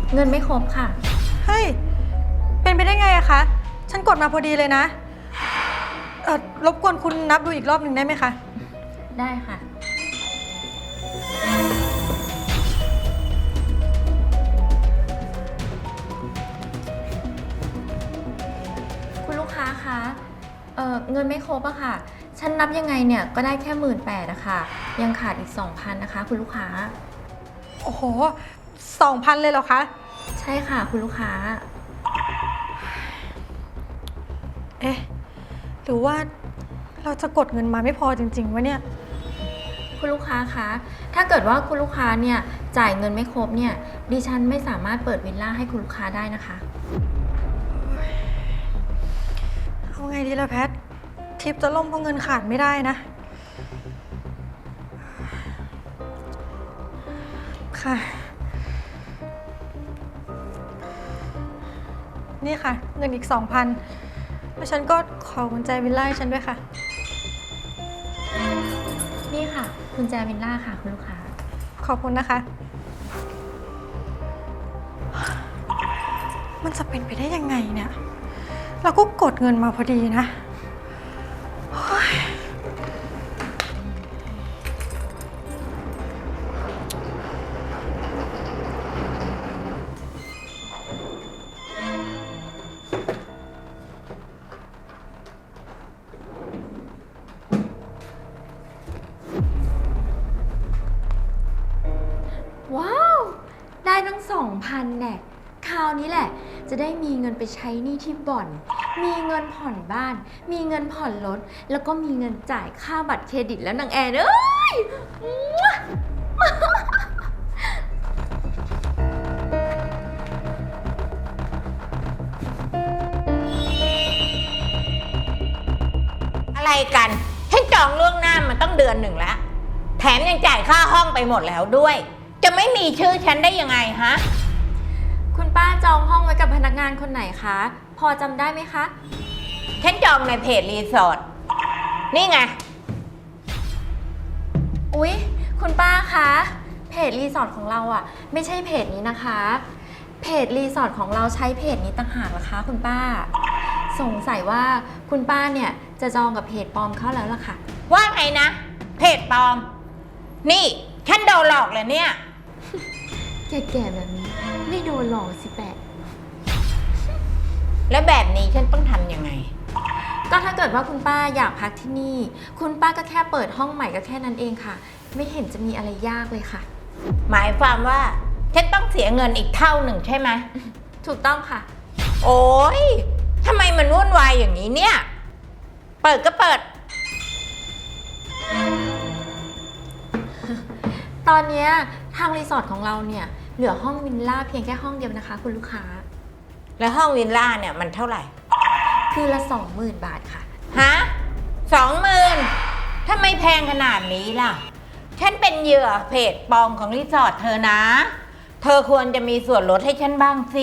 เงินไม่ครบค่ะเฮ้ย เป็นไปได้ไงอะคะ ฉันกดมาพอดีเลยนะ รบกวนคุณนับดูอีกรอบหนึ่งได้ไหมคะได้ค่ะ คุณลูกค้าคะเงินไม่ครบอะค่ะ ฉันนับยังไงเนี่ยก็ได้แค่18,000อะค่ะ ยังขาดอีก 2,000นะคะคุณลูกค้าโอ้โห 2,000เลยเหรอคะใช่ค่ะคุณลูกค้าเอ๊ะ หรือว่าเราจะกดเงินมาไม่พอจริงๆวะเนี่ยคุณลูกค้าคะ ถ้าเกิดว่าคุณลูกค้าเนี่ยจ่ายเงินไม่ครบเนี่ย ดิฉันไม่สามารถเปิดวิลล่าให้คุณลูกค้าได้นะคะเอาไงดีล่ะแพท ทริปจะล่มเพราะเงินขาดไม่ได้นะ ค่ะ นี่ค่ะ เงินอีก 2,000 แล้วฉันก็ขอกุญแจวิลล่าให้ฉันด้วยค่ะนี่ค่ะกุญแจวิลล่าค่ะคุณลูกค้าขอบคุณนะคะ มันจะเป็นไปได้ยังไงเนี่ย เราก็กดเงินมาพอดีนะโอ๊ยว้าว ได้ตั้ง 2,000แน่คราวนี้แหละ จะได้มีเงินไปใช้หนี้ที่บ่อน มีเงินผ่อนบ้าน มีเงินผ่อนรถ แล้วก็มีเงินจ่ายค่าบัตรเครดิตแล้วนางแอนเอ้ยอะไรกันฉันจองล่วงหน้ามาต้องเดือนหนึ่งแล้ว แถมยังจ่ายค่าห้องไปหมดแล้วด้วย จะไม่มีชื่อฉันได้ยังไงฮะคุณป้าจองห้องไว้กับพนักงานคนไหนคะ พอจำได้ไหมคะฉันจองในเพจรีสอร์ทนี่ไงอุ๊ย คุณป้าคะ เพจรีสอร์ทของเราอ่ะ ไม่ใช่เพจนี้นะคะ เพจรีสอร์ทของเราใช้เพจนี้ต่างหากเหรอคะคุณป้า สงสัยว่าคุณป้าเนี่ยจะจองกับเพจปลอมเข้าแล้วล่ะค่ะว่าไงนะ เพจปลอม นี่ฉันโดนหลอกเลยเนี่ยแก่ๆแบบนี้ไม่โดนหลอกสิแปะแล้วแบบนี้ฉันต้องทำยังไงก็ถ้าเกิดว่าคุณป้าอยากพักที่นี่ คุณป้าก็แค่เปิดห้องใหม่ก็แค่นั้นเองค่ะ ไม่เห็นจะมีอะไรยากเลยค่ะหมายความว่าฉันต้องเสียเงินอีกเท่าหนึ่งใช่ไหมถูกต้องค่ะโอ๊ยทำไมมันวุ่นวายอย่างนี้เนี่ย เปิดก็เปิดตอนเนี้ยทางรีสอร์ทของเราเนี่ยเหลือห้องวิลล่าเพียงแค่ห้องเดียวนะคะ คุณลูกค้าแล้วห้องวิลล่าเนี่ยมันเท่าไหร่คือละ 20,000 บาทค่ะฮะ20,000ทำไมแพงขนาดนี้ล่ะ ฉันเป็นเหยื่อเพจปลอมของรีสอร์ทเธอนะ เธอควรจะมีส่วนลดให้ฉันบ้างสิ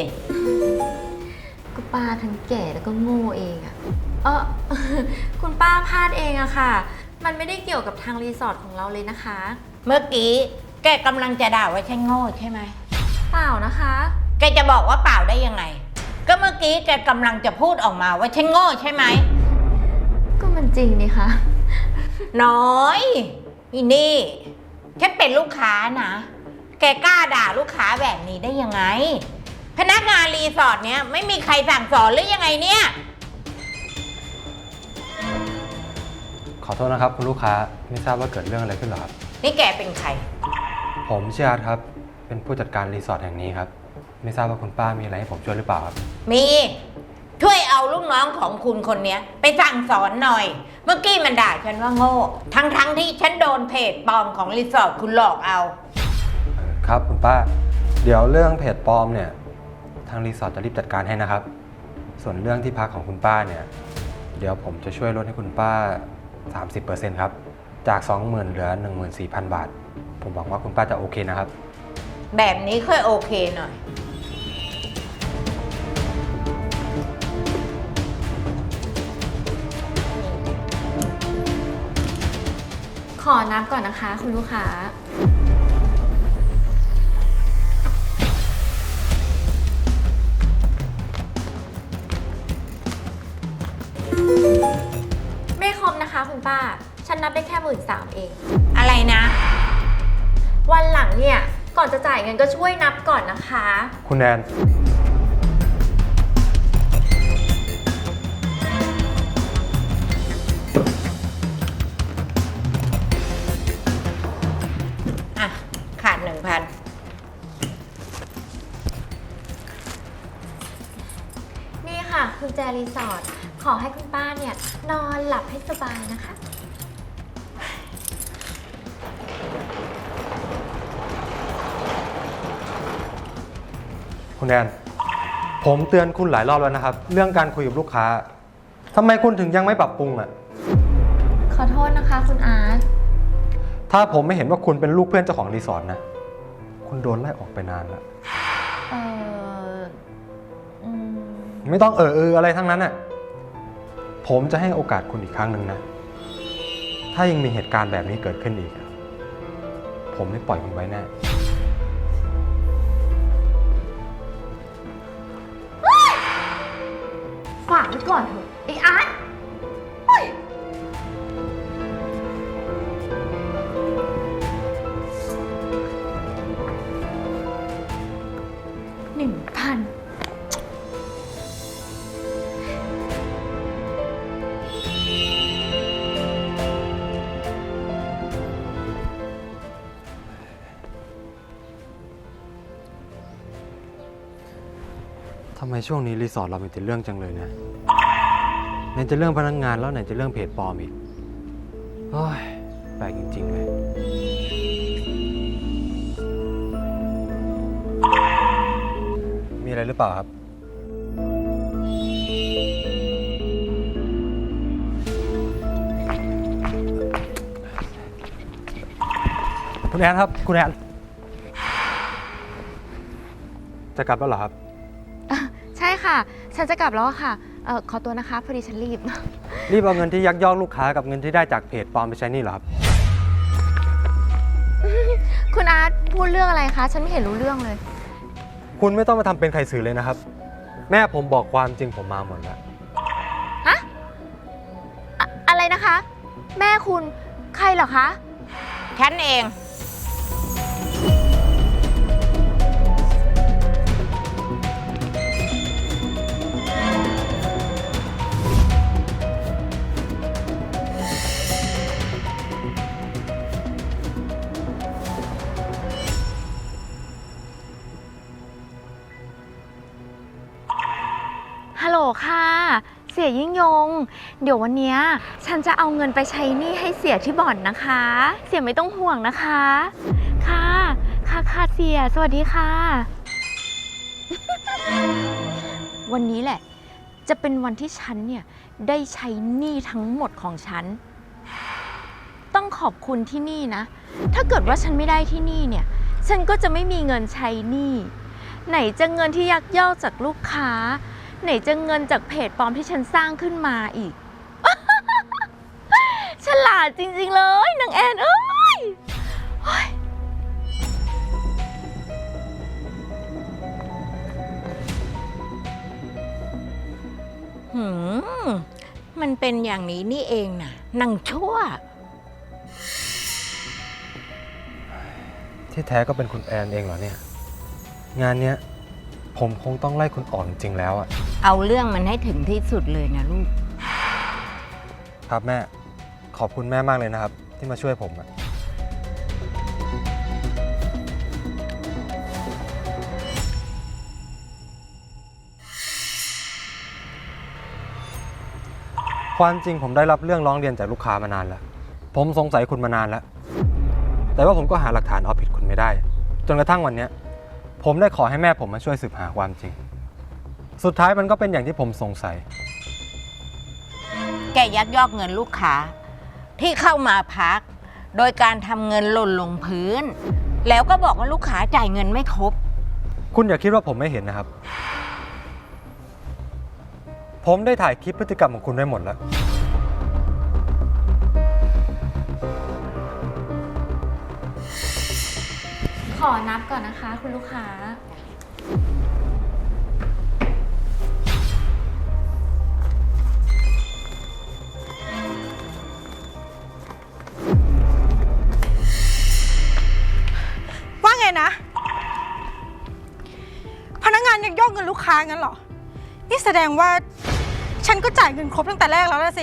ก็ป้าทั้งแก่แล้วก็โง่เองอะคุณป้าพลาดเองอะค่ะ มันไม่ได้เกี่ยวกับทางรีสอร์ทของเราเลยนะคะเมื่อกี้แกกำลังจะด่าว่าฉันโง่ใช่ไหมเปล่านะคะแกจะบอกว่าเปล่าได้ยังไง ก็เมื่อกี้แกกำลังจะพูดออกมาว่าฉันโง่ใช่ไหมก็มันจริงนี่คะน้อยอีนี่ฉันเป็นลูกค้านะ แกกล้าด่าลูกค้าแบบนี้ได้ยังไง พนักงานรีสอร์ทเนี้ยไม่มีใครสั่งสอนหรือยังไงเนี่ยขอโทษนะครับคุณลูกค้าไม่ทราบว่าเกิดเรื่องอะไรขึ้นหรอครับนี่แกเป็นใครผมชื่ออาร์ตครับเป็นผู้จัดการรีสอร์ทแห่งนี้ครับไม่ทราบว่าคุณป้ามีอะไรให้ผมช่วยหรือเปล่าครับมีช่วยเอาลูกน้องของคุณคนเนี้ยไปสั่งสอนหน่อย เมื่อกี้มันด่าฉันว่าโง่ ทั้งที่ฉันโดนเพจปลอมของรีสอร์ทคุณหลอกเอาครับคุณป้าเดี๋ยวเรื่องเพจปลอมเนี่ยทางรีสอร์ทจะรีบจัดการให้นะครับ ส่วนเรื่องที่พักของคุณป้าเนี่ยเดี๋ยวผมจะช่วยลดให้คุณป้า 30%ครับจาก 20,000 เหลือ 14,000 บาท ผมหวังว่าคุณป้าจะโอเคนะครับแบบนี้ค่อยโอเคหน่อยขอนับก่อนนะคะ คุณลูกค้าป้า ฉันนับได้แค่13,000เองอะไรนะวันหลังเนี่ย ก่อนจะจ่ายเงินก็ช่วยนับก่อนนะคะคุณแอนอ่ะ ขาด 1,000 นี่ค่ะคุณแจรีสอร์ท ขอให้คุณป้าเนี่ยนอนหลับให้สบายนะคะคุณแอน ผมเตือนคุณหลายรอบแล้วนะครับ เรื่องการคุยกับลูกค้าทำไมคุณถึงยังไม่ปรับปรุงอ่ะขอโทษนะคะคุณอาร์ตถ้าผมไม่เห็นว่าคุณเป็นลูกเพื่อนเจ้าของรีสอร์ทนะ คุณโดนไล่ออกไปนานแล้วเอออืมไม่ต้องอะไรทั้งนั้นอ่ะ ผมจะให้โอกาสคุณอีกครั้งหนึ่งนะ ถ้ายังมีเหตุการณ์แบบนี้เกิดขึ้นอีก ผมไม่ปล่อยคุณไว้แน่ฝากไว้ก่อนเถอะไอ้อาร์ตเฮ้ย1,000 ทำไมช่วงนี้รีสอร์ทเรามีแต่เรื่องจังเลยนะไหนจะเรื่องพนักงานแล้วไหนจะเรื่องเพจปลอมอีกโอ้ยแปลกจริงๆเลย มีอะไรหรือเปล่าครับ คุณแอนครับ คุณแอนจะกลับแล้วเหรอครับใช่ค่ะ ฉันจะกลับแล้วอะค่ะ ขอตัวนะคะ พอดีฉันรีบรีบเอาเงินที่ยักยอกลูกค้ากับเงินที่ได้จากเพจปลอมไปใช้หนี่เหรอครับคุณอาร์ตพูดเรื่องอะไรคะ ฉันไม่เห็นรู้เรื่องเลยคุณไม่ต้องมาทำเป็นใครสื่อเลยนะครับ แม่ผมบอกความจริงผมมาหมดแล้วอะไรนะคะ แม่คุณใครเหรอคะฉันเองฮัลโหลค่ะ เสียยิ่งยง เดี๋ยววันเนี้ยฉันจะเอาเงินไปใช้หนี้ให้เสียที่บ่อนนะคะ เสียไม่ต้องห่วงนะคะ ค่ะค่ะเสีย สวัสดีค่ะ วันนี้แหละ จะเป็นวันที่ฉันเนี่ยได้ใช้หนี้ทั้งหมดของฉัน ต้องขอบคุณที่นี่นะ ถ้าเกิดว่าฉันไม่ได้ที่นี่เนี่ย ฉันก็จะไม่มีเงินใช้หนี้ ไหนจะเงินที่ยักยอกจากลูกค้า ไหนจะเงินจากเพจปลอมที่ฉันสร้างขึ้นมาอีก ฉลาดจริงๆเลยนางแอนเอ้ยโอ๊ยมันเป็นอย่างนี้นี่เองนะนางชั่วที่แท้ก็เป็นคุณแอนเองเหรอเนี่ย งานเนี้ยผมคงต้องไล่คุณออกจริงๆแล้วอะเอาเรื่องมันให้ถึงที่สุดเลยนะลูกครับแม่ ขอบคุณแม่มากเลยนะครับ ที่มาช่วยผมอะความจริงผมได้รับเรื่องร้องเรียนจากลูกค้ามานานแล้ว ผมสงสัยคุณมานานแล้ว แต่ว่าผมก็หาหลักฐานเอาผิดคุณไม่ได้ จนกระทั่งวันนี้ผมได้ขอให้แม่ผมมาช่วยสืบหาความจริง สุดท้ายมันก็เป็นอย่างที่ผมสงสัยแกยักยอกเงินลูกค้า ที่เข้ามาพัก โดยการทำเงินหล่นลงพื้น แล้วก็บอกว่าลูกค้าจ่ายเงินไม่ครบคุณอย่าคิดว่าผมไม่เห็นนะครับ ผมได้ถ่ายคลิปพฤติกรรมของคุณไว้หมดแล้วขอนับก่อนนะคะ คุณลูกค้านะ พนักงานยักยอกเงินลูกค้างั้นเหรอ นี่แสดงว่าฉันก็จ่ายเงินครบตั้งแต่แรกแล้วล่ะสิ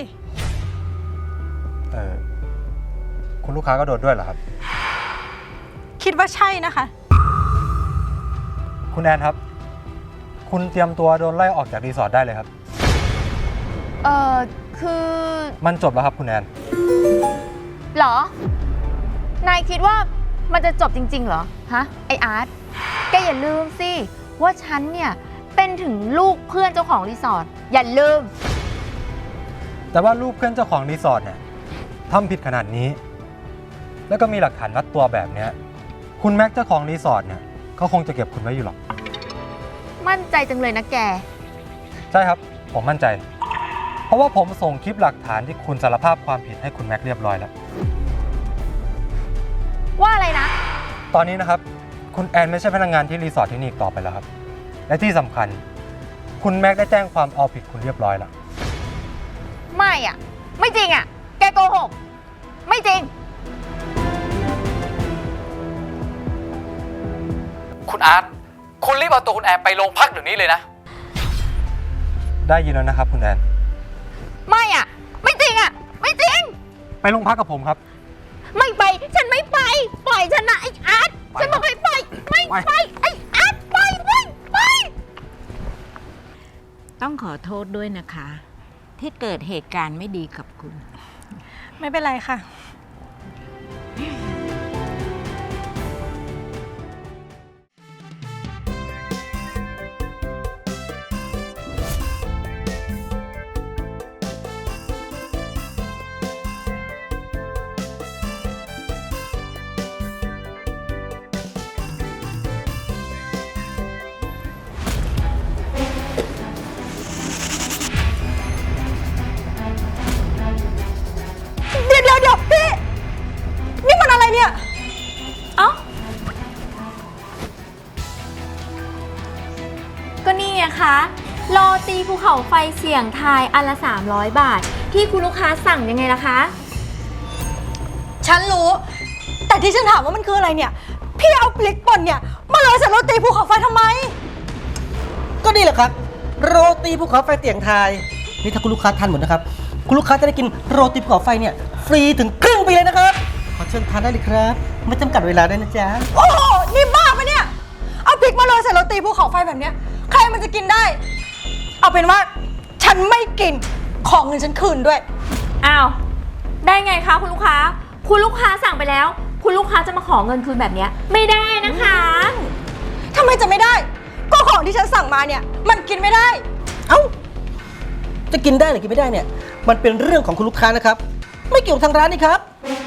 คุณลูกค้าก็โดนด้วยเหรอครับคิดว่าใช่นะคะคุณแอนครับ คุณเตรียมตัวโดนไล่ออกจากรีสอร์ทได้เลยครับคือมันจบแล้วครับคุณแอนเหรอ นายคิดว่ามันจะจบจริงๆเหรอ ฮะ ไออาร์ต แกอย่าลืมสิ ว่าฉันเนี่ย เป็นถึงลูกเพื่อนเจ้าของรีสอร์ท อย่าลืมแต่ว่าลูกเพื่อนเจ้าของรีสอร์ทเนี่ยทำผิดขนาดนี้ แล้วก็มีหลักฐานมัดตัวแบบเนี้ยคุณแม็กเจ้าของรีสอร์ทเนี่ยเขาคงจะเก็บคุณไว้อยู่หรอกมั่นใจจังเลยนะแกใช่ครับ ผมมั่นใจ เพราะว่าผมส่งคลิปหลักฐานที่คุณสารภาพความผิดให้คุณแม็กเรียบร้อยแล้วว่าอะไรนะตอนนี้นะครับคุณแอนไม่ใช่พนักงานที่รีสอร์ทที่นี่อีกต่อไปแล้วครับ และที่สำคัญคุณแม็กได้แจ้งความเอาผิดคุณเรียบร้อยแล้วไม่อ่ะ ไม่จริงอ่ะ แกโกหก ไม่จริงคุณอาร์ต คุณรีบเอาตัวคุณแอนไปโรงพักเดี๋ยวนี้เลยนะได้ยินแล้วนะครับคุณแอนไม่อ่ะ ไม่จริงอ่ะ ไม่จริงไปโรงพักกับผมครับไม่ไป ฉันไม่ไป ปล่อยฉันนะไอ้อาร์ต ฉันบอกให้ปล่อย ไม่ไป ไอ้อาร์ตปล่อยไปต้องขอโทษด้วยนะคะ ที่เกิดเหตุการณ์ไม่ดีกับคุณไม่เป็นไรค่ะ เดี๋ยวพี่ นี่มันอะไรเนี่ยเอ้า ก็นี่ไงคะ โรตีภูเขาไฟเสี่ยงทายอันละ 300 บาท ที่คุณลูกค้าสั่งยังไงล่ะคะฉันรู้ แต่ที่ฉันถามว่ามันคืออะไรเนี่ย พี่เอาพริกป่นเนี่ยมาโรยใส่โรตีภูเขาไฟทำไมก็นี่แหละครับ โรตีภูเขาไฟเตียงไทยนี่ถ้าคุณลูกค้าทานหมดนะครับ คุณลูกค้าจะได้กินโรตีภูเขาไฟเนี่ยฟรีถึงครึ่งปีเลยนะครับ ขอเชิญทานได้เลยครับไม่จำกัดเวลาด้วยนะจ๊ะโอ้โห นี่บ้าปะเนี่ย เอาพริกมาโรยใส่โรตีภูเขาไฟแบบเนี้ย ใครมันจะกินได้ เอาเป็นว่าฉันไม่กิน ของเงินฉันคืนด้วยอ้าว ได้ไงคะคุณลูกค้า คุณลูกค้าสั่งไปแล้ว คุณลูกค้าจะมาขอเงินคืนแบบเนี้ยไม่ได้นะคะทำไมจะไม่ได้ ก็ของที่ฉันสั่งมาเนี่ย มันกินไม่ได้เอ้า จะกินได้หรือกินไม่ได้เนี่ย มันเป็นเรื่องของคุณลูกค้านะครับ ไม่เกี่ยวกับทางร้านนี่ครับ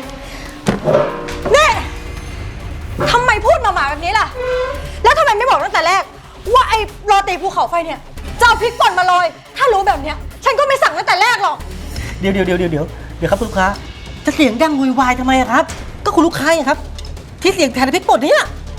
นี่ทำไมพูดมาหมาแบบนี้ล่ะ แล้วทำไมไม่บอกตั้งแต่แรก ว่าไอ้โรตีภูเขาไฟเนี่ยจะเอาพริกป่นมาโรย ถ้ารู้แบบเนี้ย ฉันก็ไม่สั่งตั้งแต่แรกหรอกเดี๋ยวครับคุณลูกค้า จะเสียงดังโวยวายทำไมอะครับ ก็คุณลูกค้าไงครับ ที่เสียงแทนพริกป่นเนี่ย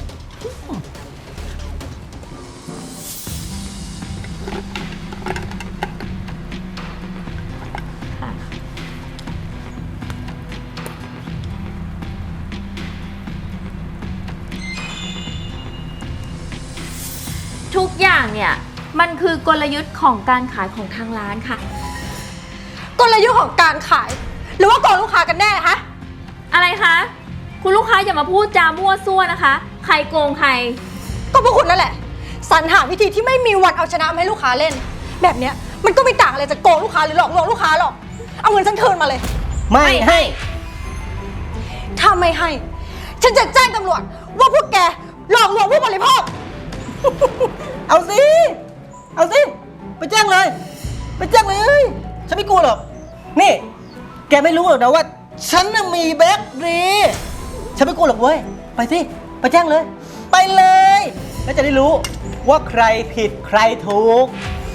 ทุกอย่างเนี่ย มันคือกลยุทธ์ของการขายของทางร้านค่ะกลยุทธ์ของการขาย หรือว่าโกงลูกค้ากันแน่ฮะอะไรคะ คุณลูกค้าอย่ามาพูดจามั่วซั่วนะคะ ใครโกงใครก็พวกคุณนั่นแหละสรรหาวิธีที่ไม่มีวันเอาชนะมาให้ลูกค้าเล่น แบบเนี้ยมันก็ไม่ต่างอะไรจากโกงลูกค้าหรือหลอกลวงลูกค้าหรอก เอาเงินฉันคืนมาเลยไม่ให้ถ้าไม่ให้ ฉันจะแจ้งตำรวจว่าพวกแกหลอกลวงผู้บริโภคเอาสิ เอาสิ ไปแจ้งเลย ไปแจ้งเลย ฉันไม่กลัวหรอก นี่ แกไม่รู้หรอกนะว่า ฉันน่ะมีแบ็คดีฉันไม่กลัวหรอกเว้ย ไปสิ ไปแจ้งเลย ไปเลย แล้วจะได้รู้ว่าใครผิดใครถูก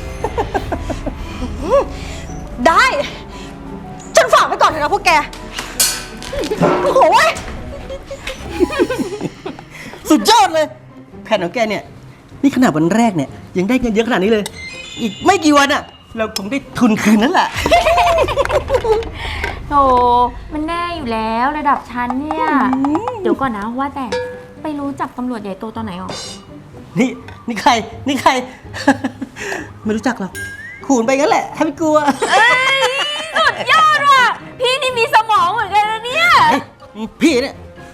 ได้ ฉันฝากไว้ก่อนเถอะนะพวกแก โอ้โหเว้ยสุดยอดเลย แผนของแกเนี่ย นี่ขนาดวันแรกเนี่ย ยังได้เงินเยอะขนาดนี้เลย อีกไม่กี่วันอะเราคงได้ทุนคืนนั่นแหละโธ่มันแน่อยู่แล้วระดับชั้นเนี่ย เดี๋ยวก่อนนะว่าแต่ไปรู้จักตำรวจใหญ่โตตอนไหนหรอนี่ใคร นี่ใคร ไม่รู้จักหรอกขูนไปงั้นแหละให้ไม่กลัวสุดยอดว่ะ พี่นี่มีสมองเหมือนกันนะเนี่ยพี่เนี่ย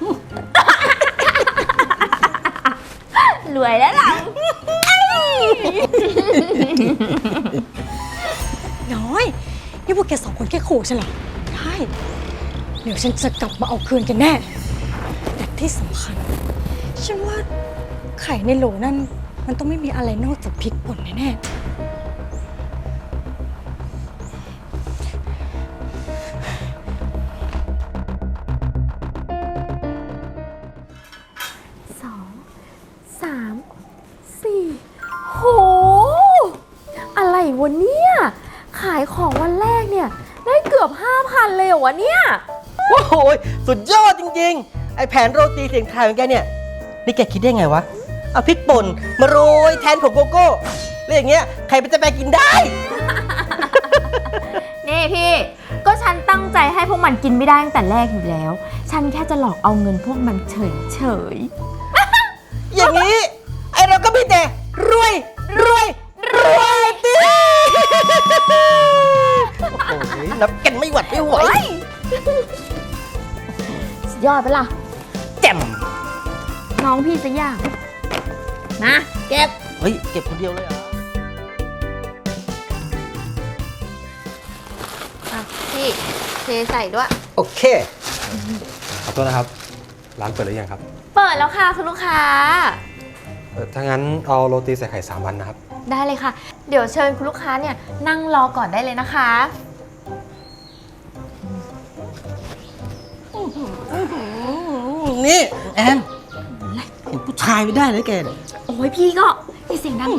รวยแล้วหลังน้อย นี่พวกแกสองคนแค่ขู่ฉันเหรอ ได้ เดี๋ยวฉันจะกลับมาเอาคืนกันแน่ แต่ที่สำคัญ ฉันว่าไข่ในโหลนั่น มันต้องไม่มีอะไรนอกจากพริกป่นแน่ๆโห อะไรวะเนี่ย ขายของวันแรกเนี่ย ได้เกือบ 5,000 เลยเหรอวะเนี่ยโอ้โหสุดยอดจริงๆ ไอแผนโรตีเสียงไทายของแกเนี่ย นี่แกคิดได้ไงวะ เอาพริกป่นมาโรยแทนผงโกโก้แล้วอย่างเงี้ยใครเป็นจะไปกินได้นี่พี่ ก็ฉันตั้งใจให้พวกมันกินไม่ได้ตั้งแต่แรกอยู่แล้ว ฉันแค่จะหลอกเอาเงินพวกมันเฉยอย่างนี้ ไอเราก็มีแต่รวยดิโอ้โหนับกันไม่หวัดไม่ไหวๆสุดยอดไปะล่ะแจ่มน้องพี่จะยากนะเก็บเฮ้ย เก็บคนเดียวเลยเหรอพี่เทใส่ด้วยโอเคขอโทษนะครับ ร้านเปิดหรือยังครับเปิดแล้วค่ะคุณลูกค้าถ้างั้นเอาโรตีใส่ไข่3 วันนะครับได้เลยค่ะ เดี๋ยวเชิญคุณลูกค้าเนี่ยนั่งรอก่อนได้เลยนะคะนี่ แอนเห็นผู้ชายไม่ได้เลยแกเนี่ยโอ้ยพี่ก็อย่าเสียงดัง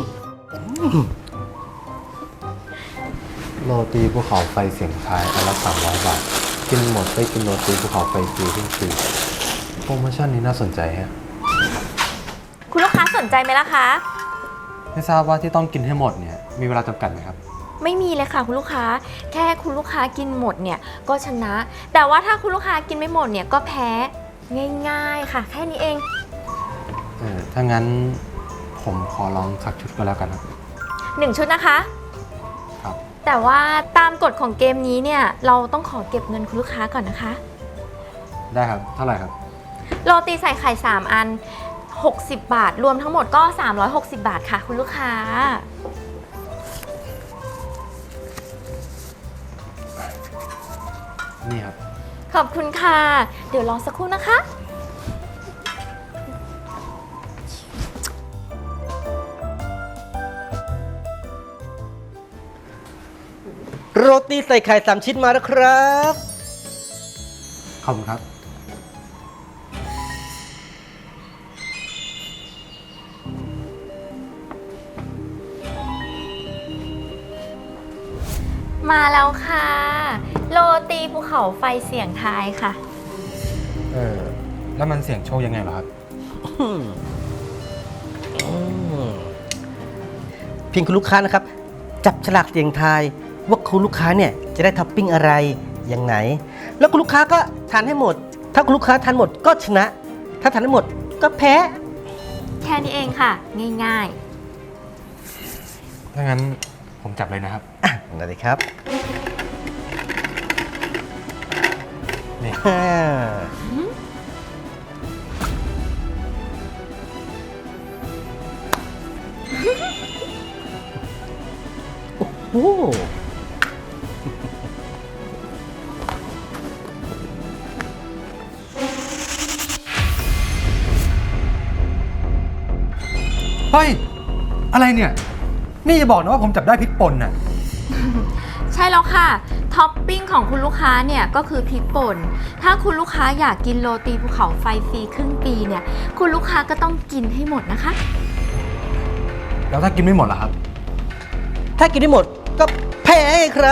โรตีภูเขาไฟเสียงทายอันละ300 บาท กินหมดได้กินโรตีภูเขาไฟฟรีทุกปีโปรโมชั่นนี้น่าสนใจฮะคุณลูกค้าสนใจไหมล่ะคะไม่ทราบว่าที่ต้องกินให้หมดเนี่ยมีเวลาจำกัดไหมครับไม่มีเลยค่ะคุณลูกค้า แค่คุณลูกค้ากินหมดเนี่ยก็ชนะ แต่ว่าถ้าคุณลูกค้ากินไม่หมดเนี่ยก็แพ้ง่ายๆค่ะ แค่นี้เองถ้างั้นผมขอลองสักชุดก็แล้วกันครับ 1 ชุดนะคะครับแต่ว่าตามกฎของเกมนี้เนี่ยเราต้องขอเก็บเงินคุณลูกค้าก่อนนะคะได้ครับ เท่าไหร่ครับโรตีใส่ไข่3 อัน 60 บาท รวมทั้งหมดก็ 360 บาทค่ะคุณลูกค้านี่ครับขอบคุณค่ะ เดี๋ยวรอสักครู่นะคะโรตีใส่ไข่3 ชิ้นมาแล้วครับขอบคุณครับมาแล้วค่ะ โรตีภูเขาไฟเสียงทายค่ะแล้วมันเสี่ยงโชคยังไงเหรอครับเพียงคุณลูกค้านะครับ จับฉลากเสียงทายว่าคุณลูกค้าเนี่ยจะได้ท็อปปิ้งอะไรยังไง แล้วคุณลูกค้าก็ทานให้หมด ถ้าคุณลูกค้าทานหมดก็ชนะ ถ้าทานไม่หมดก็แพ้แค่นี้เองค่ะ ง่ายถ้างั้นผมจับเลยนะครับนั่นเลยครับนี่โอ้โหเฮ้ย อะไรเนี่ย นี่จะบอกนะว่าผมจับได้พริกป่นน่ะๆ ใช่แล้วค่ะ ท็อปปิ้งของคุณลูกค้าเนี่ยก็คือพริกป่น ถ้าคุณลูกค้าอยากกินโรตีภูเขาไฟฟรีครึ่งปีเนี่ย คุณลูกค้าก็ต้องกินให้หมดนะคะแล้วถ้ากินไม่หมดล่ะครับถ้ากินได้หมดก็แพ้ไงครับ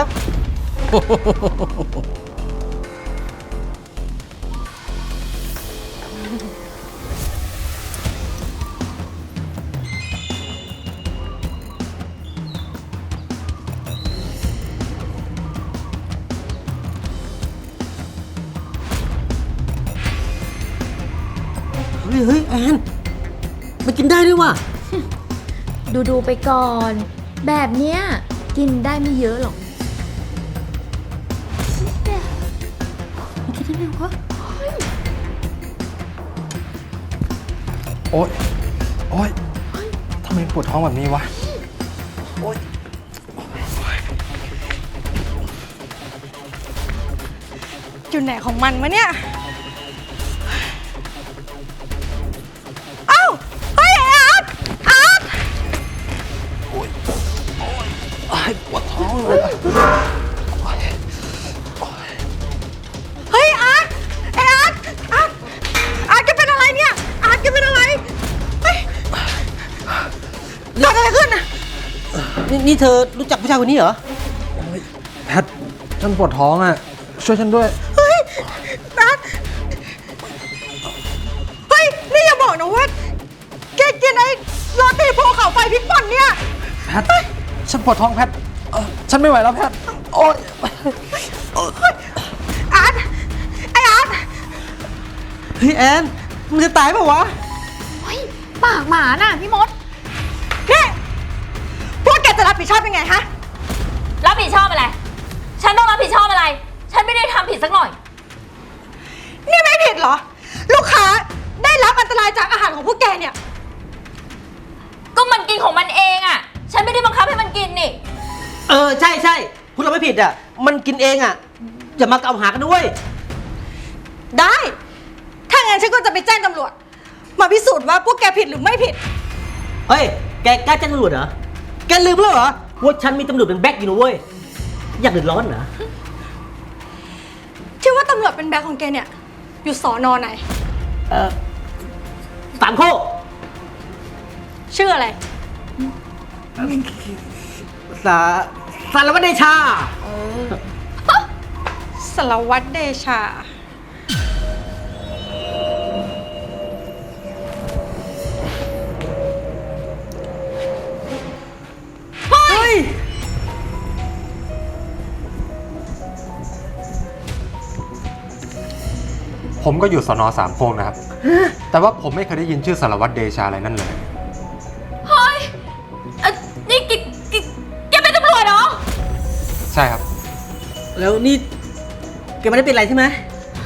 เเฮ้ยแอนมันกินได้ด้วยว่ะดูไปก่อน แบบเนี้ยกินได้ไม่เยอะหรอกมันคิดได้ไงวะโอ๊ย โอ๊ย ทำไมปวดท้องแบบนี้วะ โอ๊ยอยู่ไหนของมันวะเนี่ย เอ้า เฮ้ยไอ้อาร์ตอาร์ตปวดท้องเลยอะเฮ้ยอาร์ตไอ้อาร์ตอาร์ตอาร์ตแกเป็นอะไรเนี่ย อาร์ตแกเป็นอะไร เฮ้ยเกิดอะไรขึ้นน่ะนี่เธอรู้จักผู้ชายคนนี้เหรอแพท ฉันปวดท้องอ่ะ ช่วยฉันด้วยเฮ้ยอาร์ตเฮ้ย นี่อย่าบอกนะว่าแกกินไอ้โรตีภูเขาไฟพริกป่นเนี่ยแพท ฉันปวดท้องแพทฉันไม่ไหวแล้วแพท โอ๊ยอาร์ตไออาร์ตเฮ้ยแอนมึงจะตายเปล่าวะเฮ้ย ปากหมาน่ะพี่มดนี่พวกแกจะรับผิดชอบยังไงฮะรับผิดชอบอะไร ฉันต้องรับผิดชอบอะไร ฉันไม่ได้ทำผิดสักหน่อยนี่ไม่ผิดเหรอ ลูกค้าได้รับอันตรายจากอาหารของพวกแกเนี่ยก็มันกินของมันเองอ่ะ ฉันไม่ได้บังคับให้มันกินนี่ใช่พูดเราไม่ผิดอ่ะ มันกินเองอ่ะ อย่ามากล่าวหากันด้วยได้ ถ้างั้นฉันก็จะไปแจ้งตำรวจ มาพิสูจน์ว่าพวกแกผิดหรือไม่ผิดเฮ้ย แกกล้าแจ้งตำรวจเหรอ แกลืมแล้วเหรอว่าฉันมีตำรวจเป็นแบ็คอยู่นะเว้ย อยากเดือดร้อนเหรอที่ว่าตำรวจเป็นแบ็คของแกเนี่ย อยู่สอนอไหนสามโคกชื่ออะไรสารวัตรเดชาสารวัตรเดชาเฮ้ยผมก็อยู่สนสามโคกนะครับ แต่ว่าผมไม่เคยได้ยินชื่อสารวัตรเดชาอะไรนั่นเลยเฮ้ยนี่แกเป็นตำรวจเหรอใช่ครับแล้วนี่แกไม่ได้เป็นอะไรใช่ไหม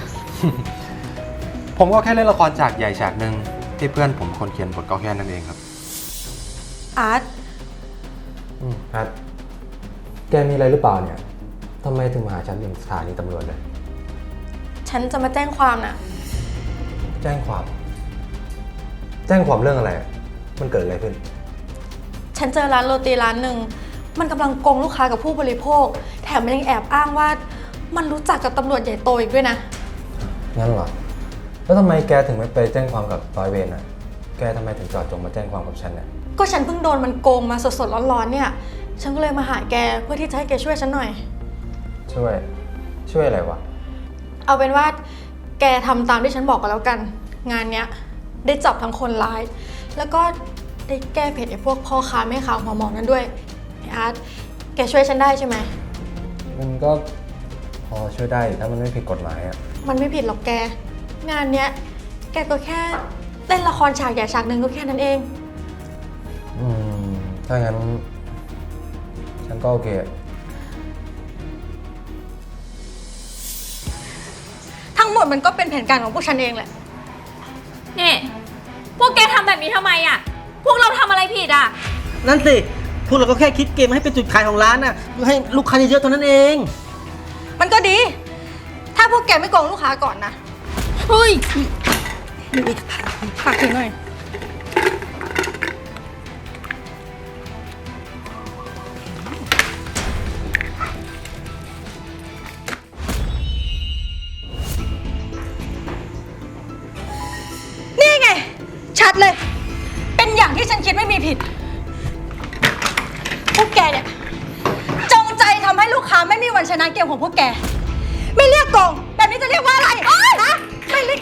ผมก็แค่เล่นละครฉากใหญ่ฉากหนึ่งที่เพื่อนผมคนเขียนบทก็แค่นั้นเองครับอาร์ตแพท แกมีอะไรหรือเปล่าเนี่ยทำไมถึงมาหาฉันถึงสถานีตำรวจเลยฉันจะมาแจ้งความน่ะแจ้งความ แจ้งความเรื่องอะไร มันเกิดอะไรขึ้นฉันเจอร้านโรตีร้านหนึ่ง มันกำลังโกงลูกค้ากับผู้บริโภค แถมมันยังแอบอ้างว่า มันรู้จักกับตำรวจใหญ่โตอีกด้วยนะงั้นเหรอ แล้วทำไมแกถึงไม่ไปแจ้งความกับร้อยเวรน่ะ แกทำไมถึงจอดจงมาแจ้งความกับฉันเนี่ยก็ฉันเพิ่งโดนมันโกงมาสดๆร้อนๆเนี่ย ฉันก็เลยมาหาแกเพื่อที่จะให้แกช่วยฉันหน่อยช่วยอะไรวะเอาเป็นว่าแกทำตามที่ฉันบอกก็แล้วกัน งานเนี้ยได้จับทั้งคนร้าย แล้วก็ได้แก้เผ็ดไอ้พวกพ่อค้าแม่ค้าหัวหมองนั้นด้วยไอ้อาร์ตแกช่วยฉันได้ใช่ไหมมันก็พอช่วยได้ถ้ามันไม่ผิดกฎหมายอ่ะมันไม่ผิดหรอกแก งานเนี้ยแกก็แค่เล่นละครฉากใหญ่ฉากหนึ่งก็แค่นั้นเองถ้างั้น ฉันก็โอเคทั้งหมดมันก็เป็นแผนการของพวกฉันเองแหละนี่ พวกแกทำแบบนี้ทำไมอ่ะ พวกเราทำอะไรผิดอ่ะนั่นสิ พวกเราก็แค่คิดเกมให้เป็นจุดขายของร้านน่ะเพื่อให้ลูกค้าเยอะๆเท่านั้นเองมันก็ดี ถ้าพวกแกไม่โกงลูกค้าก่อนนะเฮ้ยฝากถึงหน่อย นี่ไง ชัดเลย เป็นอย่างที่ฉันคิดไม่มีผิด พวกแกเนี่ย จงใจทำให้ลูกค้าไม่มีวันชนะเกมของพวกแก ไม่เรียกโกงแบบนี้จะเรียกว่าอะไรฮะไม่เรียก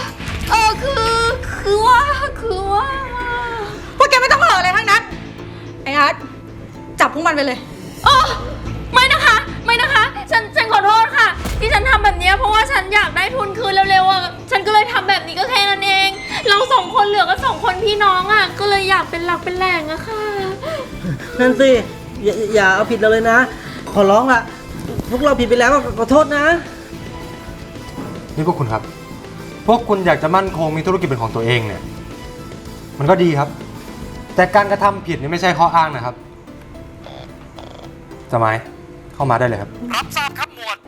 คือว่าพวกแกไม่ต้องมาอะไรทั้งนั้น ไอ้อาร์ตจับพวกมันไปเลยไม่นะคะ ฉันขอโทษค่ะ ที่ฉันทำแบบนี้เพราะว่าฉันอยากได้ทุนคืนเร็วๆอ่ะ ฉันก็เลยทำแบบนี้ก็แค่นั้นเอง เราเหลือก็สองคนพี่น้องอ่ะ ก็เลยอยากเป็นหลักเป็นแหล่งอะค่ะนั่นสิอย่าเอาผิดเราเลยนะ ขอร้องละพวกเราผิดไปแล้วขอโทษนะนี่พวกคุณครับ พวกคุณอยากจะมั่นคงมีธุรกิจเป็นของตัวเองเนี่ย มันก็ดีครับ แต่การกระทำผิดนี่ไม่ใช่ข้ออ้างนะครับสมัยเข้ามาได้เลยครับรับทราบครับหมวด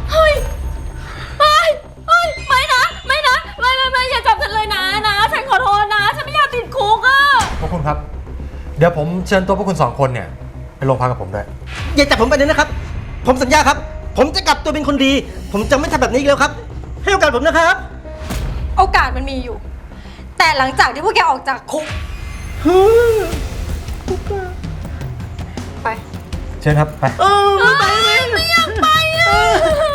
ไม่นะ ไม่อย่าจับฉันเลยนะ ฉันขอโทษนะ ฉันไม่อยากติดคุกอะพวกคุณครับ เดี๋ยวผมเชิญตัวพวกคุณ2 คนเนี่ยไปโรงพักกับผมด้วยอย่าจับผมไปเลยนะครับ ผมสัญญาครับ ผมจะกลับตัวเป็นคนดี ผมจะไม่ทำแบบนี้อีกแล้วครับ ให้โอกาสผมนะครับโอกาสมันมีอยู่ แต่หลังจากที่พวกแกออกจากคุก ไปเชิญครับ ไปไม่อยากไป